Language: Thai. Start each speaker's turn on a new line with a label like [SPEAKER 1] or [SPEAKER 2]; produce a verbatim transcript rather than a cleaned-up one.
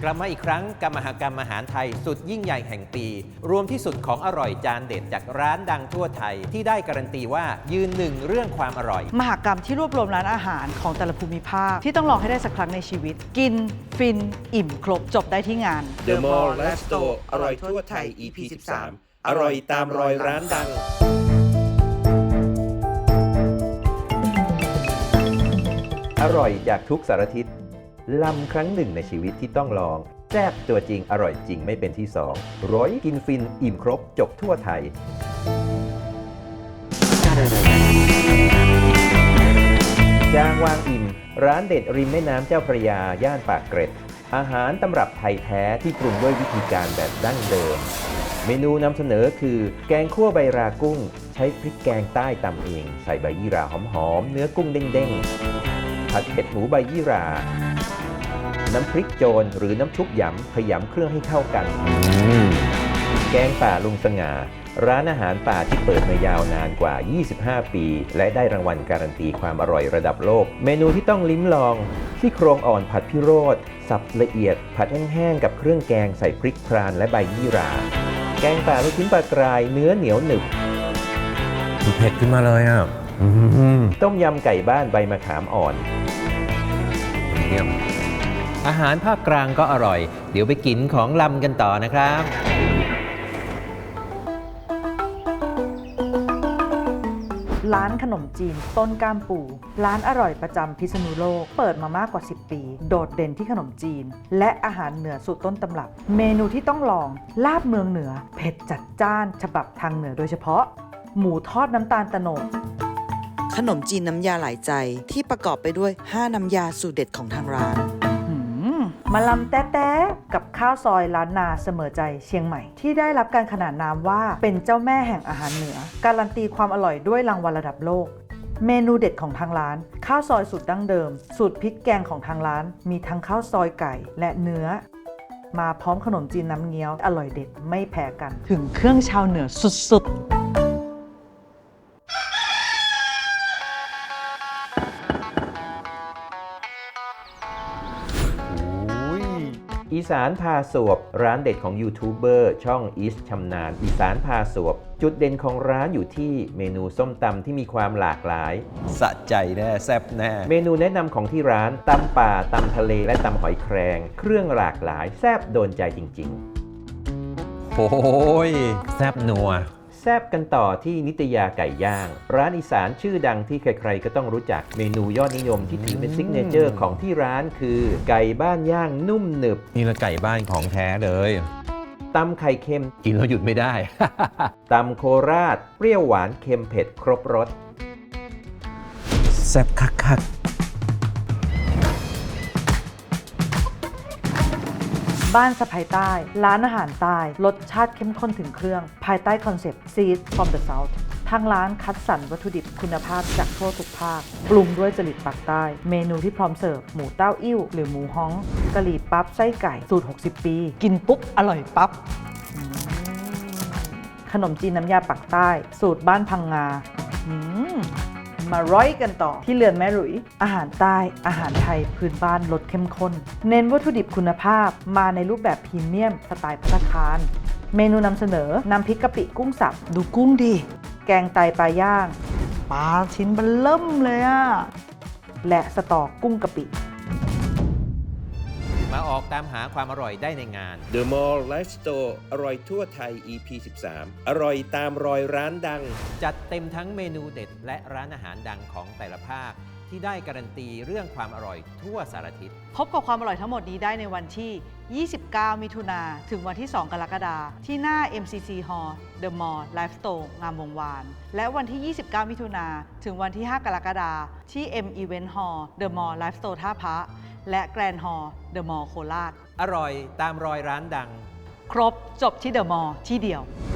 [SPEAKER 1] กลับมาอีกครั้งกับมหกรรมอาหารไทยสุดยิ่งใหญ่แห่งปี รวมที่สุดของอร่อยจานเด็ดจากร้านดังทั่วไทยที่ได้การันตีว่ายืนหนึ่งเรื่องความอร่อย
[SPEAKER 2] มหกรรมที่รวบรวมร้านอาหารของแต่ละภูมิภาคที่ต้องลองให้ได้สักครั้งในชีวิต กินฟินอิ่มครบจบได้ที่งาน
[SPEAKER 3] The Mall Life Store อร่อยทั่วไทย อี พี สิบสาม อร่อยตามรอยร้านดัง
[SPEAKER 1] อร่อยจากทุกสารทิศลำครั้งหนึ่งในชีวิตที่ต้องลองแซ่บตัวจริงอร่อยจริงไม่เป็นที่สองร้อยกินฟินอิ่มครบจบทั่วไทยจางวางอิ่มร้านเด็ดริมแม่น้ำเจ้าพระยาย่านปากเกร็ดอาหารตำรับไทยแท้ที่ปรุงด้วยวิธีการแบบดั้งเดิมเมนูนำเสนอคือแกงคั่วใบรากุ้งใช้พริกแกงใต้ตำเองใส่ใบยี่หร่าหอมๆเนื้อกุ้งเด้งๆผัดเผ็ดหมูใบยี่หร่าน้ำพริกโจรหรือน้ำชุบหยำขยำเครื่องให้เข้ากันแกงป่าลุงสง่าร้านอาหารป่าที่เปิดมายาวนานกว่ายี่สิบห้าปีและได้รางวัลการันตีความอร่อยระดับโลกเมนูที่ต้องลิ้มลองที่โครงอ่อนผัดพิโรธสับละเอียดผัดแห้งๆกับเครื่องแกงใส่พริกพรานและใบยี่หร่าแกงป่าลูกชิ้นปลากรายเนื้อเหนียวหนึบ
[SPEAKER 4] เผ็ดขึ้นมาเลยอ่ะ
[SPEAKER 1] ต้มยำไก่บ้านใบมะขามอ่อนอาหารภาคกลางก็อร่อยเดี๋ยวไปกินของลำกันต่อนะครับ
[SPEAKER 2] ร้านขนมจีนต้นก้ามปูร้านอร่อยประจำพิษณุโลกเปิดมามากกว่าสิบปีโดดเด่นที่ขนมจีนและอาหารเหนือสูตรต้นตำรับเมนูที่ต้องลองลาบเมืองเหนือเผ็ดจัดจ้านฉบับทางเหนือโดยเฉพาะหมูทอดน้ำตาลโตนด
[SPEAKER 5] ขนมจีนน้ำยาหลายใจที่ประกอบไปด้วยห้าน้ำยาสูตรเด็ดของทางร้าน
[SPEAKER 2] มะลำแต๊ะๆกับข้าวซอยล้านนาเสมอใจเชียงใหม่ที่ได้รับการขนานนามว่าเป็นเจ้าแม่แห่งอาหารเหนือการันตีความอร่อยด้วยรางวัลระดับโลกเมนูเด็ดของทางร้านข้าวซอยสูตรดั้งเดิมสูตรพริกแกงของทางร้านมีทั้งข้าวซอยไก่และเนื้อมาพร้อมขนมจีนน้ำเงี้ยวอร่อยเด็ดไม่แพ้กันถึงเครื่องชาวเหนือสุดๆ
[SPEAKER 1] อีสานพาสวบร้านเด็ดของยูทูบเบอร์ช่องอีสชำนาญอีสานพาสวบจุดเด่นของร้านอยู่ที่เมนูส้มตำที่มีความหลากหลายสะใจแน่แซ่บแน่เมนูแนะนำของที่ร้านตำป่าตำทะเลและตำหอยแครงเครื่องหลากหลายแซ่บโดนใจจริงๆโอ้ยแซ่บนัวแซ่บกันต่อที่นิตยาไก่ย่างร้านอีสานชื่อดังที่ใครๆก็ต้องรู้จักเมนูยอดนิยมที่ถือเป็นซิกเนเจอร์ของที่ร้านคือไก่บ้านย่างนุ่มหนึบ
[SPEAKER 4] นี่ละไก่บ้านของแท้เลย
[SPEAKER 1] ตำไข่เค็มกินแล้วหยุดไม่ได้ ตำโคราชเปรี้ยวหวานเค็มเผ็ดครบรส
[SPEAKER 4] แซ่บคัก
[SPEAKER 2] บ้านสะพายใต้ร้านอาหารใต้รสชาติเข้มข้นถึงเครื่องภายใต้คอนเซ็ปต์ Seed from the South ทางร้านคัดสรรวัตถุดิบคุณภาพจากทั่วทุกภาคปรุงด้วยจริตปากใต้เมนูที่พร้อมเสิร์ฟหมูเต้าอิ่วหรือหมูฮ้องกะหรี่ปั๊บไส้ไก่สูตรหกสิบปีกินปุ๊บอร่อยปั๊บขนมจีนน้ำยาปากใต้สูตรบ้านพังงามาร้อยกันต่อที่เรือนแม่หลุยอาหารใต้อาหารไทยพื้นบ้านรสเข้มข้นเน้นวัตถุดิบคุณภาพมาในรูปแบบพรีเมียมสไตล์ภัตตาคารเมนูนำเสนอน้ำพริกกะปิกุ้งสับดูกุ้งดิแกงไตปลาย่างปลาชิ้นเบลเริ่มเลยอะและสตอกุ้งกะปิ
[SPEAKER 1] มาออกตามหาความอร่อยได้ในงาน
[SPEAKER 3] The Mall Life Store อร่อยทั่วไทย อี พี สิบสาม อร่อยตามรอยร้านดัง
[SPEAKER 1] จัดเต็มทั้งเมนูเด็ดและร้านอาหารดังของแต่ละภาคที่ได้การันตีเรื่องความอร่อยทั่วสารทิศ
[SPEAKER 2] พบกับความอร่อยทั้งหมดนี้ได้ในวันที่ ยี่สิบเก้า มิถุนาถึงวันที่ สอง กรกฎาคมที่หน้า เอ็ม ซี ซี Hall The Mall Life Store งามวงวานและวันที่ ยี่สิบเก้า มิถุนาถึงวันที่ ห้า กรกฎาคมที่ M Event Hall The Mall Life Store ท่าพระและ Grand Hall The Mall โคราช
[SPEAKER 1] อร่อยตามรอยร้านดัง
[SPEAKER 2] ครบจบที่ The Mall ที่เดียว